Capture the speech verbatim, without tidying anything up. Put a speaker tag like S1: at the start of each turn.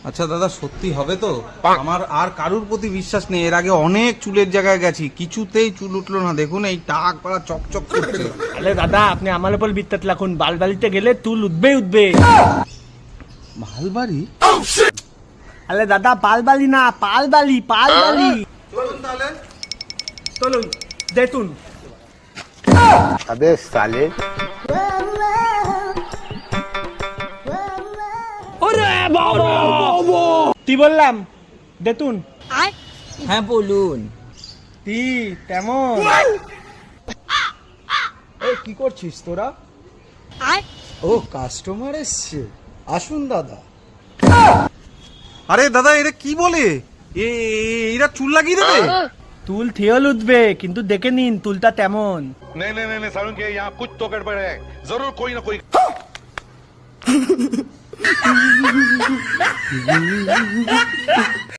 S1: আচ্ছা দাদা, সত্যি হবে তো? আমার আর কারুর প্রতি বিশ্বাস নেই। এর আগে অনেক চুলের জায়গায় গেছি, কিছুতেই চুল উঠলো না। দেখুন এই টাক পাড়া চকচক করছে।
S2: আরে দাদা, আপনি আমার উপর বিত্তাত লাখুন, বালবালিতে গেলে চুল উঠবে উঠবে।
S1: মালবাড়ি?
S2: আরে দাদা, পালবালি না, পালবালি, পালবালি।
S1: চলুন তাহলে।
S2: চলুন দেখুন।
S3: अबे साले
S2: কি বললাম? দেখুন।
S4: হ্যাঁ বলুন।
S2: তি তেমন।
S5: এই কি করছিস তোরা? ও কাস্টমার এসছে, আসুন দাদা।
S1: আরে দাদা, এরা কি বলে? এ এ- এরা চুল লাগিয়ে দেবে?
S2: তুল থিয়ল উঠবে, কিন্তু দেখে নিন তুলটা তেমন।
S6: नहीं नहीं नहीं, नहीं सारुण के यहाँ कुछ तो गड़बड़ है, जरूर कोई ना कोई